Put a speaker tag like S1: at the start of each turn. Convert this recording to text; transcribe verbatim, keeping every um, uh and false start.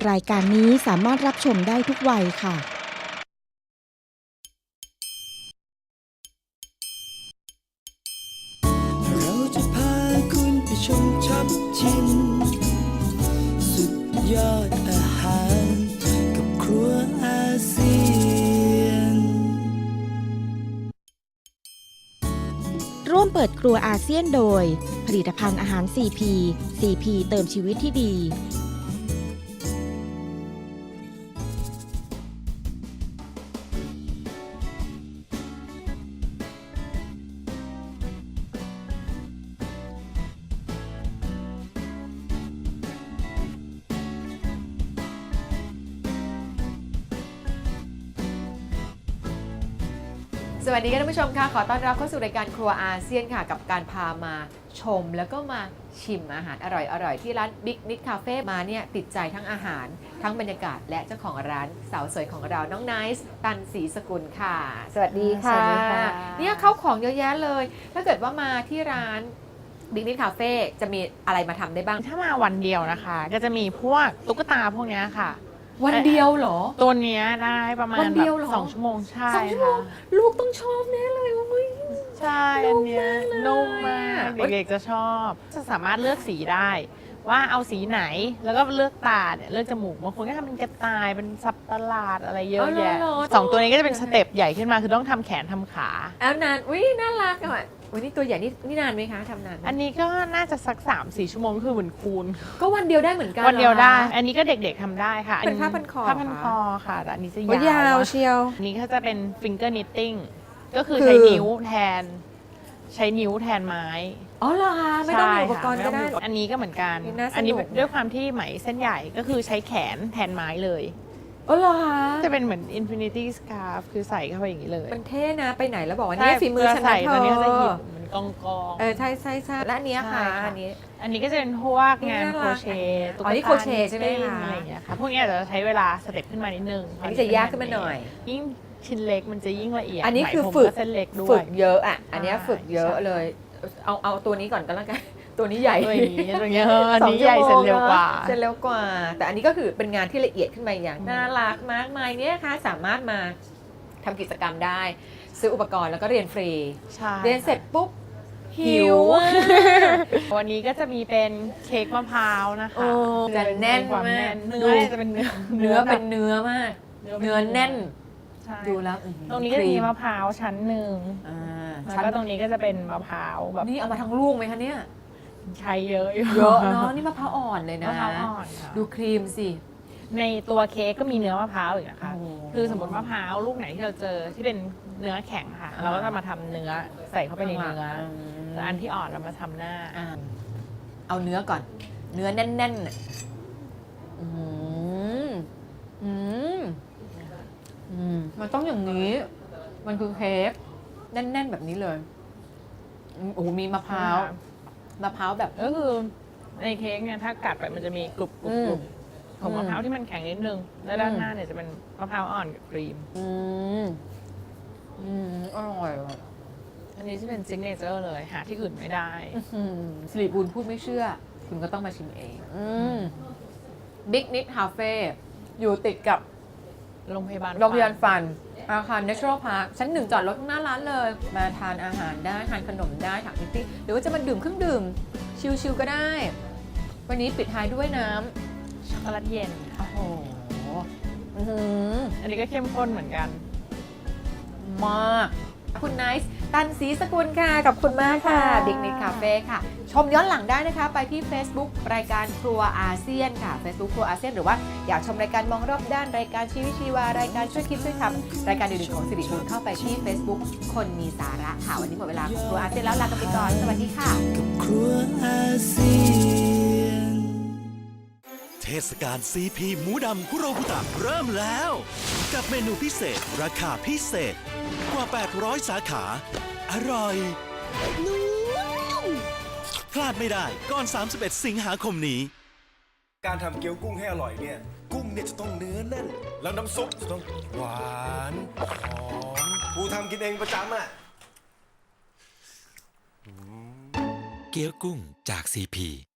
S1: รายการนี้สามารถรับชมได้ทุกวัยค่ะ
S2: เราจะพาคุณไปชมช็อปชิมสุดยอดอาหารกับครัวอาเซียน
S1: ร่วมเปิดครัวอาเซียนโดยผลิตภัณฑ์อาหาร ซี พี ซี พี เติมชีวิตที่ดี
S3: สวัสดีค่ะท่านผู้ชมค่ะขอต้อนรับเข้าสู่รายการครัวอาเซียนค่ะกับการพามาชมแล้วก็มาชิมอาหารอร่อยๆที่ร้าน Big Nick Cafe มาเนี่ยติดใจทั้งอาหารทั้งบรรยากาศและเจ้าของร้านสาวสวยของเราน้องไนซ์ตันศรีสกุลค่ะสวัสดีค่ะ
S4: สวัสดีค่ะ
S3: เนี่ยเข้าของเยอะแยะเลย ถ้าเกิดว่ามาที่ร้าน Big Nick Cafe จะมีอะไรมาทำได้บ้าง
S4: ถ้ามาวันเดียวนะคะ ก็จะมีพวกตุ๊กตาพวกเนี้ยค่ะ
S3: วันเดียวเหรอ
S4: ตัวเนี้ยได้ประมาณ
S3: วันเดียวเหรอ
S4: แบบสองชั่วโมงใช่
S3: สองชั่วโมง
S4: ค่ะ
S3: ลูกต้องชอบแน่เลยเว้ย
S4: ใช่อันเนี้ย
S3: นุ่
S4: นุ่
S3: ม
S4: ม
S3: มาม
S4: าก
S3: ก
S4: เด็กๆจะชอบ จะสามารถเลือกสีได้ ว่าเอาสีไหนแล้วก็เลือกตาเนี่ยเลือกจมูกบางคนก็ทำเป็นกระต่ายเป็นสับประหลาดอะไรเยอะแยะ
S3: อ๋อเหรอ
S4: สองตัวนี้ก็จะเป็นสเต็ปใหญ่ขึ้นมาคือต้องทำแขนทำขา
S3: แอลนานอุ้ยน่ารักอ่ะวันนี้ตัวใหญ่นี่นี่นานไหมคะทำนานไหม
S4: อันนี้ก็น่าจะสักสามสี่ชั่วโมงคือเหมือนคูณ
S3: ก็วันเดียวได้เหมือนกัน
S4: วันเดียวได้
S3: หรอคะ
S4: อันนี้ก็เด็กๆทำได้ค่ะ
S3: เป็นผ้าพันคอ
S4: ผ้าพัน
S3: เหรอ
S4: คอค่ะแต่อันนี้จะ
S3: โอ้ย
S4: ยาย
S3: าว
S4: ว
S3: เชียว
S4: อันนี้ก็จะเป็น finger knitting ก็คือ
S3: คือ
S4: ใช้นิ้วแทน ใช้นิ้วแทนไม้
S3: อ๋อเหรอคะไม่ต้องมี
S4: ใช่
S3: อุปกรณ์ก็ได้
S4: ค่ะม่ต้องมีอันนี้ก็เหมือนกัน
S3: นี่น่าสนุก
S4: อันี้ด้วยความที่ไหมเส้นใหญ่ก็คือใช้แขนแทนไม้เลย
S3: อ๋อเหรอคะ
S4: จะเป็นเหมือน infinity scarf คือใส่เข้าไปอย่างนี้เลย
S3: มันเท่นะไปไหนแล้วบอกว่านี่ฝีมือฉัน
S4: ใส่
S3: นะเธ
S4: ตอน
S3: อ
S4: นี้ก็จะหยิบเหมือนกองกอง
S3: เออใช่ใช่ใช่และอันเนี้ยค่ะ
S4: ใช่ค่ะ
S3: อันนี้
S4: อันนี้ก็จะเป็นพวกงาน
S3: นี่
S4: โค
S3: น่ารั
S4: ร
S3: ก
S4: เชต์ตุ๊ก
S3: อ๋อนี่
S4: ตา
S3: โครเชต์ใช่ไหมคะ
S4: อะไรอย่างเงี้ยค่ะพวกนี้อาจจะใช้เวลาสเต็ปขึ้นมานิดนึง
S3: อันนี้จะยากขึ้นมาหน่อย
S4: ยิ่งชิ้นเล็กมันจะยิ่งละเอียด
S3: อันนี้คือ
S4: ไหมพรม
S3: ฝึก
S4: เส้นเล็กด้ว
S3: ฝึ
S4: ย
S3: กเยอะอ่ะอันเนี้ย
S4: ใช่
S3: ฝึกเยอะ
S4: ใช่
S3: เลย เอาเอาตัวนี้ก่อนก็แล้วกัน ตัวนี้ใหญ่
S4: ตัวนี้ตัวนี้เอออันนี้ใหญ่เสร็จเร็วกว่า
S3: เสร็จเร็วกว่า แต่อันนี้ก็คือเป็นงานที่ละเอียดขึ้นมาอย่างน่ารักมากมายเนี่ยค่ะสามารถมาทำกิจกรรมได้ ซื้ออุปกรณ์แล้วก็เรียนฟรี
S4: ใช่
S3: เรียนเสร็จปุ๊บหิวอะ
S4: วันนี้ก็จะมีเป็นเค้กมะพร้าวนะคะ
S3: โอ้จะแน่น
S4: ความ
S3: มาก
S4: แน่น
S3: ดู
S4: เนื้อจะเป็นเนื้อ
S3: เนื้อเป็นเนื้อมาก เนื้อแน่น
S4: ใช่
S3: ดูแล้วอื้อหือ
S4: ตรงนี้ก็จะมี
S3: ค
S4: มะพร้าวชั้นหนึ่ง
S3: อ่า
S4: แล้ว
S3: ชั้น
S4: ก็ตรงนี้ก็จะเป็นมะพร้าวแบบ
S3: นี่เอามาทั้งลูกไหมคะเนี่ย
S4: ใช้เยอะอยู่
S3: เยอะเนาะนี่มะพร้าวอ่อนเลยนะ
S4: มะพร้าวอ่อนค่ะ
S3: ดูครีมสิ
S4: ในตัวเค้กก็มีเนื้อมะพร้าวอีกนะคะ
S3: โอ้
S4: คือสมมติมะพร้าวลูกไหนที่เราเจอที่เป็นเนื้อแข็งค่ะ
S3: อ่า
S4: เราก็จะมาทำเนื้อใส่เข้าไปในเนื้อ
S3: อืม
S4: แต่อันที่อ่อนเรามาทำหน้า
S3: อ่าเอาเนื้อก่อน เนื้อแน่นๆน่ะอืมอืมอืมมันต้องอย่างนี้ มันคือเค้กแน่น ๆ แบบนี้เลยอืมโอ้โหมีมะพร้าวมะพร้าวแบบ
S4: ก็คือในเค้กเนี่ยถ้ากัดไปมันจะมีกรุบกรุบกรุบ
S3: อืม
S4: ของมะพร้าวที่มันแข็งนิดนึง แล้วด้าน
S3: อืม
S4: หน้าเนี่ยจะเป็นมะพร้าวอ่อนกับครีม
S3: อืมอืมอร่อยว่ะ
S4: อันนี้จะเป็นซิกเนเจอร์เลยหาที่อื่นไม่ได้
S3: อื้อหือสิริบูลพูดไม่เชื่อ คุณก็ต้องมาชิมเอง อืมบิ๊กนิดคาเฟ่อยู่ติดกับ
S4: โรงพยาบาล
S3: โรงพยาบาลฟัน อาคาร Natural Park ชั้นหนึ่งจอดรถข้างหน้าร้านเลย มาทานอาหารได้ ทานขนมได้ถักนิตตี้หรือว่าจะมาดื่มเครื่องดื่ม ชิลๆก็ได้ วันนี้ปิดท้ายด้วยน้
S4: ช็อกโกแลตเย็น
S3: ำ
S4: ค่ะ
S3: โอ้โหอื้อหือ
S4: อันนี้ก็เข้มข้นเหมือนกัน
S3: มากคุณไนซ์ตันศรีสกุลค่ะ กับคุณมากค่ะ
S4: ค่ะ
S3: บิ๊กนิดคาเฟ่ค่ะ ชมย้อนหลังได้นะคะ ไปที่ Facebook รายการครัวอาเซียนค่ะ Facebook ครัวอาเซียนหรือว่าอยากชมรายการมองรอบด้านรายการชีวิตชีวารายการช่วยคิดช่วยทำรายการอื่นๆของสิริบุญเข้าไปที่ Facebook คนมีสาระค่ะ วันนี้หมดเวลาของครัวอาเซียนแล้วลากันไปก่อนสวัสดีค่ะ
S2: กับครัวอาเซียน
S5: เทศกาล ซี พี หมูดำคุโรบุตะเริ่มแล้ว กับเมนูพิเศษ ราคาพิเศษ กว่า แปดร้อย สาขา อร่อยนุ่มพลาดไม่ได้ก่อน สามสิบเอ็ด สิงหาคมนี้
S6: การทำเกี๊ยวกุ้งให้อร่อยเนี่ย กุ้งเนี่ยจะต้องเนื้อแน่น แล้วน้ำซุปจะต้องหวานหอมกูทำกินเองประจำอ่ะ
S5: เกี๊ยวกุ้งจาก ซี พี